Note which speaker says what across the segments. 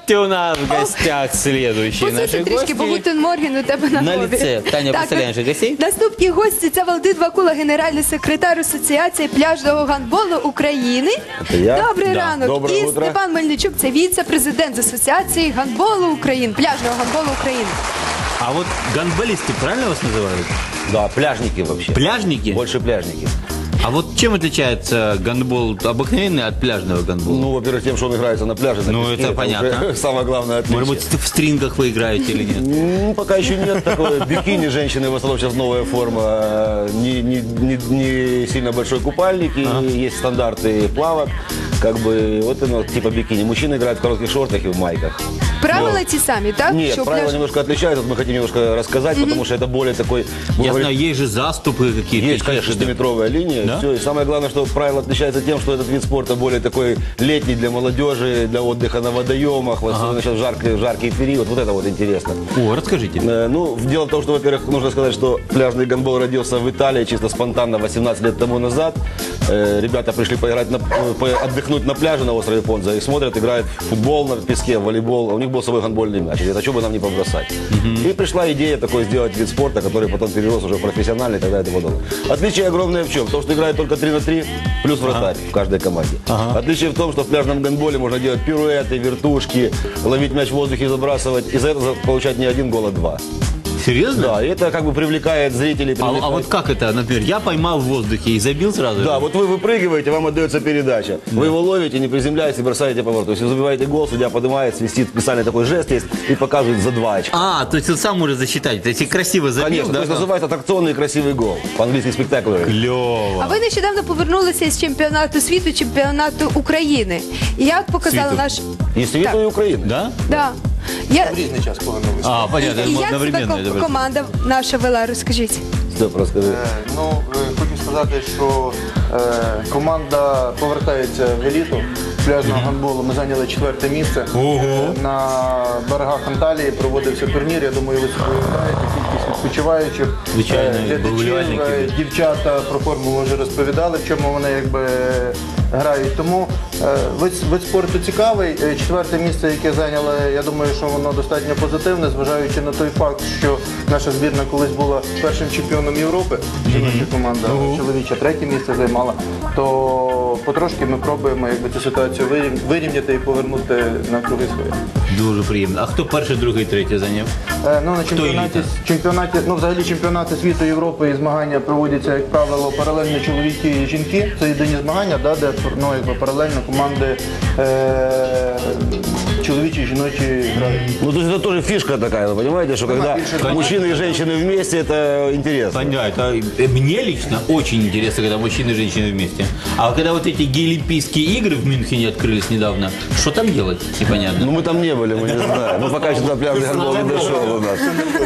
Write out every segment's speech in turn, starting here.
Speaker 1: Здравствуйте, у нас в гостях следующие наши
Speaker 2: Посидьте трішки, бо
Speaker 1: гости.
Speaker 2: Гутен Морген у тебе на
Speaker 1: На
Speaker 2: голові.
Speaker 1: лице. Таня,
Speaker 2: Так,
Speaker 1: представляй наших гостей.
Speaker 2: Наступні гості – це Валентин Вакула, генеральний секретар Асоціації пляжного гандболу України.
Speaker 3: Це я?
Speaker 2: Добрий
Speaker 1: Да.
Speaker 2: ранок.
Speaker 3: Доброе
Speaker 2: І
Speaker 3: утро.
Speaker 2: Степан Мельничук – це віце-президент з Асоціації гандболу України, пляжного гандболу України.
Speaker 1: А вот гандболисты, правильно вас называют?
Speaker 3: Да, пляжники вообще.
Speaker 1: Пляжники?
Speaker 3: Больше пляжники.
Speaker 1: А вот чем отличается гандбол обыкновенный от пляжного гандбола?
Speaker 3: Ну, во-первых, тем, что он играется на пляже. На
Speaker 1: Ну,
Speaker 3: песке,
Speaker 1: это понятно.
Speaker 3: уже самое главное отличие.
Speaker 1: Может быть, в стрингах вы играете или нет?
Speaker 3: Ну, пока еще нет такого. Бикини женщины, в основном сейчас новая форма. Не сильно большой купальник, и есть стандарты плавок. Как бы, вот оно, типа бикини. Мужчины играют в коротких шортах и в майках.
Speaker 2: Правила ті самі, так?
Speaker 3: Нет,
Speaker 2: Що
Speaker 3: правила
Speaker 2: пляж-
Speaker 3: немножко отличаются. Вот мы хотим немножко рассказать, потому что это более такой...
Speaker 1: Я знаю, есть же заступы какие-то.
Speaker 3: Есть, конечно, 6-метровая линия.
Speaker 1: Да?
Speaker 3: Все. И самое главное, что правило отличается тем, что этот вид спорта более такой летний для молодежи, для отдыха на водоемах, особенно сейчас в жаркий период. Вот это вот интересно.
Speaker 1: О, расскажите.
Speaker 3: Ну, дело в том, что, во-первых, нужно сказать, что пляжный гандбол родился в Италии чисто спонтанно 18 лет тому назад. Ребята пришли поиграть, отдохнуть на пляже на острове Понза и смотрят, играют в футбол на песке, в волейбол. У них был свой гандбольный мяч. Говорят, а что бы нам не побросать? И пришла идея такой сделать вид спорта, который потом перерос уже в профессиональный и так далее и тому подобное. Отличие огромное в чем? В том, что играют только 3 на 3 плюс вратарь в каждой команде. Отличие в том, что в пляжном гандболе можно делать пируэты, вертушки, ловить мяч в воздухе и забрасывать. И за это получать не 1 гол, а 2.
Speaker 1: Серьезно?
Speaker 3: Да, и это как бы привлекает зрителей.
Speaker 1: А
Speaker 3: привлекает-
Speaker 1: вот как это, например, я поймал в воздухе и забил сразу?
Speaker 3: Да, вот вы выпрыгиваете, вам отдается передача. Вы его ловите, не приземляетесь и бросаете по борту. Если забиваете гол, судья поднимает, свистит, специальный такой жест есть и показывает за 2 очка.
Speaker 1: А, то есть он сам может засчитать. То есть и красиво забил,
Speaker 3: Конечно,
Speaker 1: да?
Speaker 3: то есть называется аттракционный красивый гол. По-английски спектакль.
Speaker 1: Клево.
Speaker 2: А ви нещодавно повернулися з чемпіонату світу, чемпіонату України. І як показала
Speaker 1: Світу.
Speaker 2: наш...
Speaker 3: И світу,
Speaker 2: Так.
Speaker 3: и Украины.
Speaker 1: Да?
Speaker 2: Да. Я...
Speaker 4: Різний час повернулися.
Speaker 1: А, понятно,
Speaker 2: І як себе
Speaker 1: одновременно. это было.
Speaker 2: команда наша вела, розкажіть.
Speaker 3: Стоп, расскажи.
Speaker 4: Хочу сказати, що команда повертається в еліту пляжного гандболу. Ми зайняли 4-те місце. На берегах Анталії проводився турнір. Я думаю, ви собі уявляєте, кількість відпочиваючих,
Speaker 1: Звичайно,
Speaker 4: глядачів,
Speaker 1: вболівальників.
Speaker 4: дівчата про форму вже розповідали, в чому вони якби грають. Тому вид спорту цікавий. 4-те місце, яке зайняли, я думаю, що воно достатньо позитивне, зважаючи на той факт, що наша збірна колись була першим чемпіоном Європи, жіноча команда, чоловіча 3-те місце займала, то потрошки ми пробуємо якби цю ситуацію вирівняти і повернути на круги свої.
Speaker 1: Дуже приємно. А хто перший, другий, третій зайняв?
Speaker 4: Ну, на чемпіонаті, ну, взагалі чемпіонати світу, Європи і змагання проводяться, як правило, паралельно чоловіки і жінки. Це єдині змагання, да, де ну, якби паралельно команди чоловічі і жіночі грають.
Speaker 3: Ну, то есть это тоже фишка такая, вы понимаете, что когда мужчины и женщины вместе, это интересно.
Speaker 1: Понятно. Мне лично очень интересно, когда мужчины и женщины вместе. А когда вот эти гей-олимпийские игры в Мюнхене открылись недавно, что там делать? Непонятно.
Speaker 3: Ну, мы там не были, мы не знаем. Мы пока еще до пляжный гандбол не дошел у нас.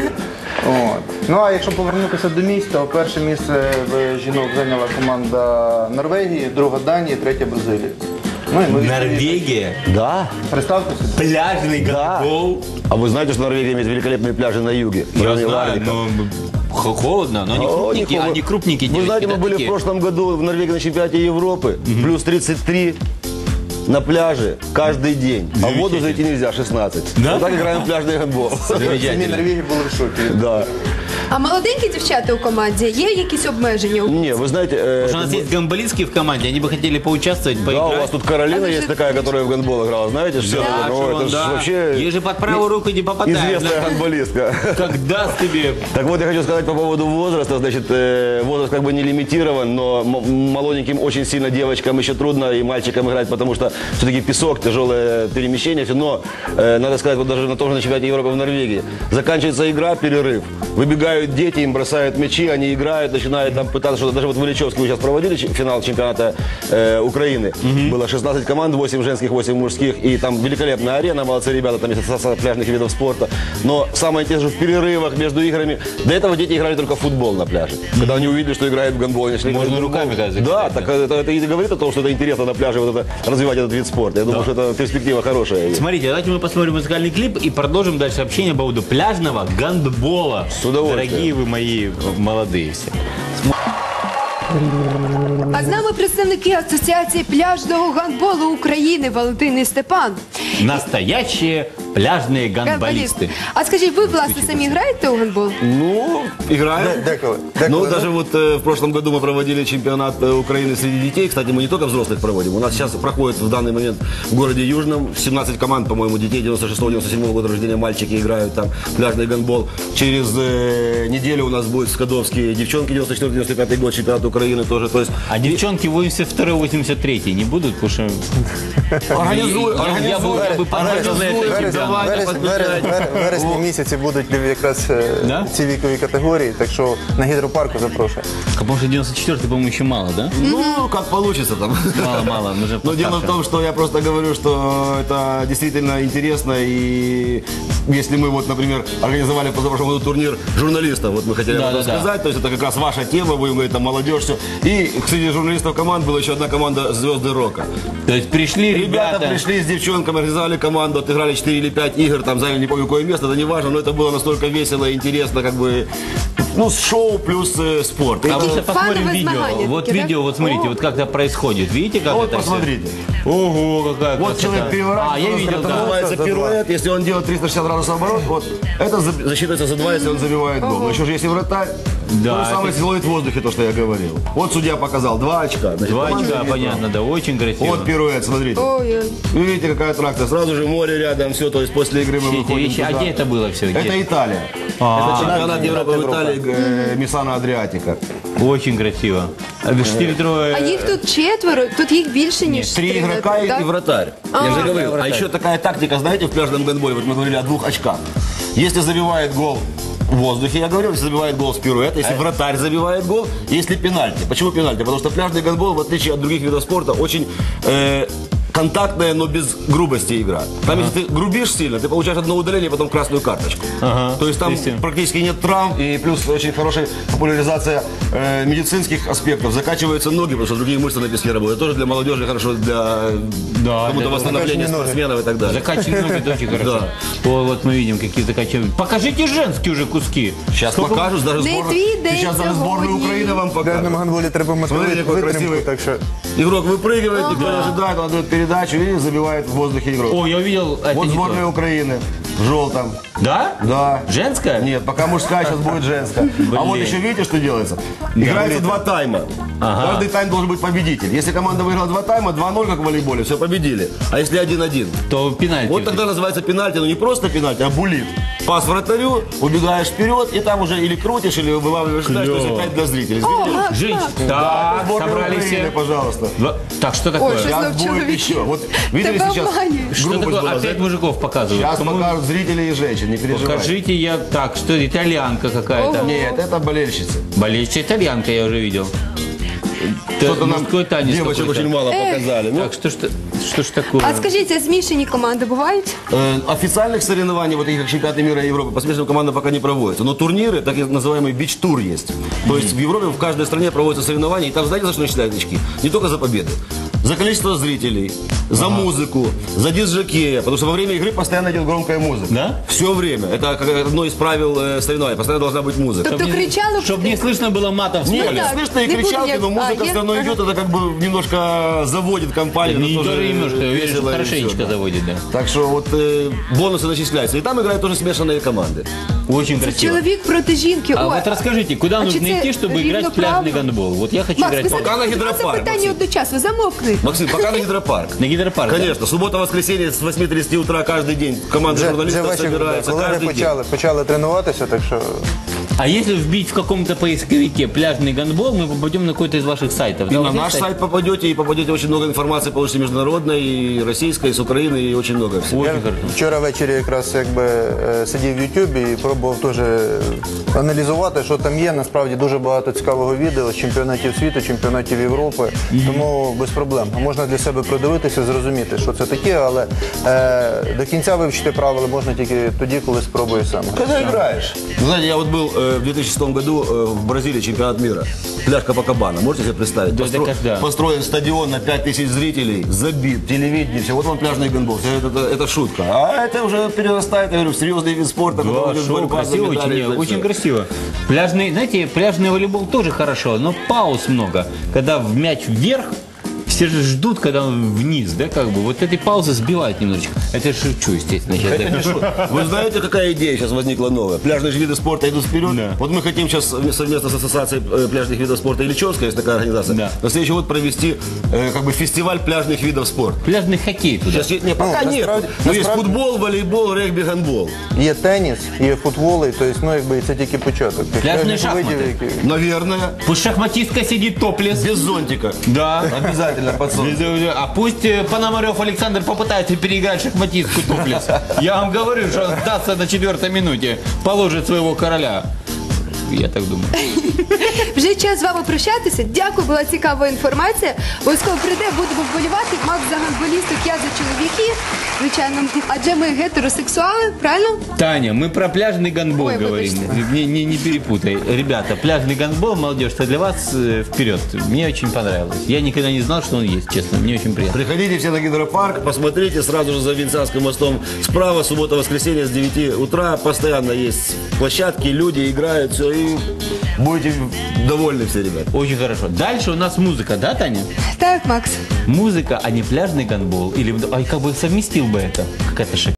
Speaker 4: От. Ну а якщо повернутися до місць, то перше місце в жінок зайняла команда Норвегії, друга Данії, третя Бразилія. Ну, і ми
Speaker 1: Норвегия,
Speaker 3: Да?
Speaker 4: Представте собі.
Speaker 1: пляжный
Speaker 3: Да.
Speaker 1: гандбол.
Speaker 3: А вы знаете, что Норвегия имеет великолепные пляжи на юге?
Speaker 1: Я
Speaker 3: Кроме
Speaker 1: знаю,
Speaker 3: Ларвика.
Speaker 1: но холодно, но они
Speaker 3: О,
Speaker 1: крупненькие,
Speaker 3: не холодно.
Speaker 1: они крупненькие
Speaker 3: Вы
Speaker 1: девочки,
Speaker 3: знаете, мы
Speaker 1: да,
Speaker 3: были в
Speaker 1: такие?
Speaker 3: прошлом году в Норвегии на чемпионате Европы. Плюс 33 на пляже каждый день. А в воду зайти нельзя, 16.
Speaker 1: Да?
Speaker 3: Вот так играем в пляжный гандбол.
Speaker 4: Самі
Speaker 1: Замечательно.
Speaker 4: Норвегії були в шокі.
Speaker 3: Да.
Speaker 2: А молоденькі дівчата у команді, є якісь обмеження?
Speaker 3: Не, вы знаете...
Speaker 1: Потому что у нас есть гамболистские в команде, они бы хотели поучаствовать,
Speaker 3: Да,
Speaker 1: поиграть.
Speaker 3: у вас тут Каролина
Speaker 2: А
Speaker 3: есть
Speaker 2: вы
Speaker 3: такая,
Speaker 2: же-
Speaker 3: которая в гандбол играла, знаете? Что
Speaker 1: Да,
Speaker 3: это? Ну,
Speaker 1: Шимон,
Speaker 3: это ж
Speaker 1: да.
Speaker 3: вообще
Speaker 1: Ей же под правую руку не попадаем.
Speaker 3: известная
Speaker 1: Да.
Speaker 3: гандболистка.
Speaker 1: Как даст тебе.
Speaker 3: Так вот, я хочу сказать по поводу возраста. Значит, возраст как бы не лимитирован, но молоденьким очень сильно девочкам еще трудно и мальчикам играть, потому что все-таки песок, тяжелое перемещение. Все. Но, надо сказать, вот даже на том же на чемпионате Европы в Норвегии, заканчивается игра, перерыв. Выбегают дети, им бросают мячи, они играют, начинают там пытаться что-то. Даже вот в Ильичевске мы сейчас проводили финал чемпионата Украины. Было 16 команд, 8 женских, 8 мужских. И там великолепная арена, молодцы ребята, там есть ассоциация пляжных видов спорта. Но самое интересное, в перерывах между играми. До этого дети играли только в футбол на пляже. Когда они увидели, что играют в гандбол, они шли
Speaker 1: Можно
Speaker 3: играть в
Speaker 1: руками,
Speaker 3: гандбол.
Speaker 1: кажется,
Speaker 3: Да,
Speaker 1: кстати.
Speaker 3: так это и говорит о том, что это интересно на пляже вот это, развивать этот вид спорта. Я думаю, что это перспектива хорошая.
Speaker 1: Смотрите, давайте мы посмотрим музыкальный клип и продолжим дальше общение по поводу пляжного гандбола.
Speaker 3: С удовольствием.
Speaker 1: Дорогие вы мои молодые все.
Speaker 2: А з нами представники Асоціації пляжного гандболу України Валентин і Степан.
Speaker 1: Настоящие пляжные гандболисты.
Speaker 2: А скажіть, ви, власне, самі граєте у гандбол?
Speaker 3: Ну, играем.
Speaker 4: Деколи.
Speaker 3: Ну, даже вот в прошлом году мы проводили чемпионат Украины среди детей. Кстати, мы не только взрослых проводим. У нас сейчас проходит в данный момент в городе Южном 17 команд, по-моему, детей 96-97 года рождения, мальчики играют там пляжный гандбол. Через неделю у нас будет в Скадовске девчонки 94-95 год, чемпионат Украины тоже. То есть
Speaker 1: А девчонки 82-83 не будут? Потому что я бы поддержал на это чемпионат.
Speaker 4: В вересні місяці будуть якраз
Speaker 1: Да?
Speaker 4: ці вікові категорії, так що на гідропарку запрошую.
Speaker 1: Потому что 94-й, по-моему, еще мало, да?
Speaker 3: ну, как получится там.
Speaker 1: Мало, мы же
Speaker 3: Но дело в
Speaker 1: постарше.
Speaker 3: том, что я просто говорю, что это действительно интересно. И если мы, вот, например, организовали в позапрошлом году турнир журналистов, вот мы хотели об этом сказать, то есть это как раз ваша тема, будем говорить, там молодежь, все. И среди журналистов команд была еще одна команда «Звезды рока».
Speaker 1: То есть пришли
Speaker 3: Ребята
Speaker 1: ребята...
Speaker 3: пришли с девчонками, организовали команду, отыграли 4 или 5 игр, там заняли не помню какое место, это не важно, но это было настолько весело и интересно, как бы, ну, шоу плюс спорт.
Speaker 1: А вот посмотрим
Speaker 2: фановые
Speaker 1: видео.
Speaker 2: змагания
Speaker 1: Вот
Speaker 2: такие, да?
Speaker 1: видео, вот смотрите, вот как это происходит. Видите, как
Speaker 3: Вот
Speaker 1: это всё?
Speaker 3: посмотрите.
Speaker 1: Ого, какая
Speaker 3: Вот
Speaker 1: красота.
Speaker 3: человек переворачивается,
Speaker 1: А, я видел,
Speaker 3: это
Speaker 1: да.
Speaker 3: называется пируэт. Если он делает 360 градусов оборот, вот, это засчитывается за 2, если он забивает гол. Еще же если вратарь,
Speaker 1: Да,
Speaker 3: то же самое,
Speaker 1: это-
Speaker 3: если ловит в воздухе, то, что я говорил. Вот судья показал 2 очка. Значит,
Speaker 1: 2
Speaker 3: команда
Speaker 1: очка,
Speaker 3: имеет
Speaker 1: понятно,
Speaker 3: право.
Speaker 1: да, очень красиво.
Speaker 3: Вот пируэт, смотрите.
Speaker 2: Ой-ой.
Speaker 3: Вы видите, какая аттракция. Сразу же море рядом, все, то есть после игры мы
Speaker 1: Все эти
Speaker 3: выходим
Speaker 1: вещи. А
Speaker 3: туда.
Speaker 1: где это было все?
Speaker 3: Это Италия. Это чемпионат Европы в Италии, Мисана Адриатика.
Speaker 1: Очень красиво. 4-литровая...
Speaker 2: А їх тут 4, тут їх більше, ніж
Speaker 3: 3
Speaker 2: три,
Speaker 3: игрока
Speaker 2: да?
Speaker 3: и вратарь. Я же говорил. А
Speaker 1: вратарь.
Speaker 3: еще такая тактика, знаете, в пляжном гандболе, вот мы говорили о 2 очках. Если забивает гол в воздухе, я говорил, если забивает гол с пируэта, если вратарь забивает гол, если пенальти. Почему пенальти? Потому что пляжный гандбол, в отличие от других видов спорта, очень контактная, но без грубости игра. Там, если ты грубишь сильно, ты получаешь одно удаление, потом красную карточку. То есть там практически нет травм, и плюс очень хорошая популяризация медицинских аспектов. Закачиваются ноги, потому что другие мышцы на песке работают. Тоже для молодежи хорошо, для кому-то
Speaker 1: для
Speaker 3: восстановления спортсменов и так далее.
Speaker 1: Закачивать ноги, это очень хорошо.
Speaker 3: Да.
Speaker 1: О, вот мы видим, какие закачивают. Покажите женские уже куски.
Speaker 3: Сейчас покажут, даже
Speaker 2: Не
Speaker 3: сборную,
Speaker 2: твій день
Speaker 3: сейчас даже сборную
Speaker 2: сьогодні.
Speaker 3: Украины вам
Speaker 4: В пляжному
Speaker 3: покажут.
Speaker 4: гандболі треба мати
Speaker 3: Смотрите, какой
Speaker 4: витримку,
Speaker 3: красивый.
Speaker 4: так що...
Speaker 3: Игрок выпрыгивает, никто не ожидает, он отдает передачу и забивает в воздухе игрок.
Speaker 1: О, я увидел... это
Speaker 3: Вот
Speaker 1: не
Speaker 3: сборная
Speaker 1: то.
Speaker 3: Украины в желтом.
Speaker 1: Да?
Speaker 3: Да.
Speaker 1: Женская?
Speaker 3: Нет, пока мужская, сейчас будет женская. А вот еще видите, что делается? Играется 2 тайма. Каждый тайм должен быть победитель. Если команда выиграла 2 тайма, 2-0, как в волейболе, все, победили. А если 1-1?
Speaker 1: То пенальти.
Speaker 3: Вот тогда называется пенальти, но не просто пенальти, а буллит. Пас вратарю, убегаешь вперед, и там уже или крутишь, или вылавливаешь мяч, то есть опять для зрителей. Видите?
Speaker 1: Женщины.
Speaker 3: Да,
Speaker 1: Так,
Speaker 3: сборная
Speaker 1: собрали
Speaker 3: Украины,
Speaker 1: все.
Speaker 3: пожалуйста.
Speaker 1: Так, что такое?
Speaker 2: Ой, что
Speaker 3: Сейчас
Speaker 2: знов
Speaker 3: будет
Speaker 2: чоловіки.
Speaker 3: еще. Вот видели
Speaker 2: Тебе
Speaker 3: сейчас?
Speaker 2: обманюють.
Speaker 1: Что
Speaker 3: грубость
Speaker 1: такое?
Speaker 3: была,
Speaker 1: Опять
Speaker 3: да?
Speaker 1: мужиков показывают.
Speaker 3: Сейчас
Speaker 1: Кому-
Speaker 3: покажут зрителей и женщин, не переживайте.
Speaker 1: Покажите, я... Так, что итальянка какая-то.
Speaker 3: Нет, это болельщицы.
Speaker 1: Болельщица итальянка, я уже видел.
Speaker 3: Что-то нам
Speaker 1: мужской танец
Speaker 3: девочек
Speaker 1: какой-то.
Speaker 3: очень мало показали. Ну,
Speaker 1: Так, что ж такое?
Speaker 2: А скажіть, а змішані команди бувають?
Speaker 3: Официальных соревнований, вот таких как чемпионаты мира и Европы, по смешанным командам пока не проводятся. Но турниры, так называемый бич-тур есть. То есть в Европе в каждой стране проводятся соревнования, и там знаете, за что начисляют очки? Не только за победы. За количество зрителей, за музыку, за диск-жокея. Потому что во время игры постоянно идет громкая музыка.
Speaker 1: Да?
Speaker 3: Все время. Это как одно из правил соревнований. Постоянно должна быть музыка.
Speaker 2: Тобто кричали...
Speaker 1: Чтобы не слышно было матов в
Speaker 3: Нет,
Speaker 1: поле.
Speaker 2: так,
Speaker 3: слышно и
Speaker 2: не
Speaker 3: кричалки,
Speaker 2: будет,
Speaker 3: но музыка
Speaker 2: а,
Speaker 3: все равно
Speaker 2: ага.
Speaker 3: идет, это как бы немножко заводит компанию.
Speaker 1: Не
Speaker 3: но тоже
Speaker 1: тоже немножко, я уверен, что
Speaker 3: весело и
Speaker 1: хорошенечко
Speaker 3: всё, да.
Speaker 1: заводит, да.
Speaker 3: Так что вот бонусы начисляются. И там играют тоже смешанные команды.
Speaker 1: Очень красиво.
Speaker 2: Чоловік проти жінки.
Speaker 1: А
Speaker 2: Ой,
Speaker 1: вот расскажите, куда
Speaker 2: а
Speaker 1: нужно
Speaker 2: чи це
Speaker 1: идти, чтобы играть в
Speaker 2: рівноправно?
Speaker 1: пляжный гандбол? Вот я хочу
Speaker 2: Макс,
Speaker 1: играть
Speaker 2: ви
Speaker 1: в
Speaker 3: Пока на гідропарк,
Speaker 2: питання
Speaker 3: Максим.
Speaker 2: одночасно, замовкни.
Speaker 3: Максим, пока на гидропарк.
Speaker 1: на гидропарк. да?
Speaker 3: Конечно, суббота-воскресенье с 8:30 утра каждый день команда
Speaker 4: Вже
Speaker 3: журналистов
Speaker 4: ваші
Speaker 3: собирается
Speaker 4: колеги
Speaker 3: каждый день.
Speaker 4: почали тренуватися, так що...
Speaker 1: А если вбить в каком-то поисковике пляжный гандбол, мы попадем на какой-то из ваших сайтов.
Speaker 3: И
Speaker 1: Да,
Speaker 3: на
Speaker 1: вот
Speaker 3: наш
Speaker 1: есть
Speaker 3: сайт попадете, и попадете очень много информации, получите международной, и российской, и с Украины, и очень много всего.
Speaker 1: Очень
Speaker 4: Я
Speaker 1: хорошо.
Speaker 4: вчора ввечері якраз сидів в Ютубі і пробував теж аналізувати, що там є. Насправді дуже багато цікавого відео з чемпіонатів світу, чемпіонатів Європи. Тому без проблем. Можна для себе продивитися, зрозуміти, що це таке, але до кінця вивчити правила можна тільки тоді, коли спробуєш сам.
Speaker 3: Когда играешь? Вы знаете, я вот был в 2006 году в Бразилии чемпионат мира. Пляж Копакабана. Можете себе представить?
Speaker 1: Да, это когда?
Speaker 3: Построен стадион на 5000 зрителей, забит, телевидение, все. Вот вам пляжный гандбол. Это шутка. А это уже перерастает, я говорю, в серьезный вид спорта.
Speaker 1: Да,
Speaker 3: который идет
Speaker 1: шоу,
Speaker 3: борьба за
Speaker 1: красиво,
Speaker 3: медали,
Speaker 1: очень,
Speaker 3: за всё.
Speaker 1: очень красиво. Пляжный, знаете, пляжный волейбол тоже хорошо, но пауз много. Когда в мяч вверх, все же ждут, когда он вниз, да, как бы. Вот эти паузы сбивают немножечко. Это я шучу, естественно. сейчас.
Speaker 3: Вы знаете, какая идея сейчас возникла новая? Пляжные же виды спорта идут вперед.
Speaker 1: Да.
Speaker 3: Вот мы хотим сейчас совместно с Ассоциацией пляжных видов спорта Ильичевская, есть такая организация,
Speaker 1: Да.
Speaker 3: на следующий год провести как бы фестиваль пляжных видов спорта.
Speaker 1: Пляжный хоккей туда.
Speaker 3: Сейчас пока нет.
Speaker 4: насправді-
Speaker 3: Ну, есть
Speaker 4: насправді-
Speaker 3: футбол, волейбол, регбі, гандбол.
Speaker 4: Є теніс, є футболи, тобто, ну, якби, це тільки початок. Тих
Speaker 1: Пляжні
Speaker 4: пляжних
Speaker 1: шахмати.
Speaker 4: видів, які-
Speaker 3: Наверное.
Speaker 1: Пусть шахматистка сидит топлес.
Speaker 3: Без зонтика.
Speaker 1: Да.
Speaker 3: Обязательно под солнце.
Speaker 1: А пусть Пономарев Александр попытается переиграть шахматистку топлес. Я вам говорю, что сдастся на 4-й минуте. Положит своего короля. Я так думаю.
Speaker 2: Вже час з вами прощатися. Дякую, була цікава інформація. Обов'язково прийде, будемо вболівати. Макс за гандболісток, я за чоловіків. Звичайно, адже ми гетеросексуали, правильно?
Speaker 1: Таня, мы про пляжный гандбол
Speaker 2: Ой,
Speaker 1: говорим.
Speaker 2: выбачьте.
Speaker 1: Не перепутай. Ребята, пляжный гандбол, молодежь, это для вас вперед. Мне очень понравилось. Я никогда не знал, что он есть, честно. Мне очень приятно.
Speaker 3: Приходите все на гидропарк, посмотрите сразу же за Венецианским мостом справа, суббота-воскресенье с 9 утра. Постоянно есть площадки, люди играют, все, и будете довольны все, ребят.
Speaker 1: Очень хорошо. Дальше у нас музыка, да, Таня?
Speaker 2: Так, Макс.
Speaker 1: Музыка, а не пляжный гандбол. Или, как бы совместил бы это? Какая-то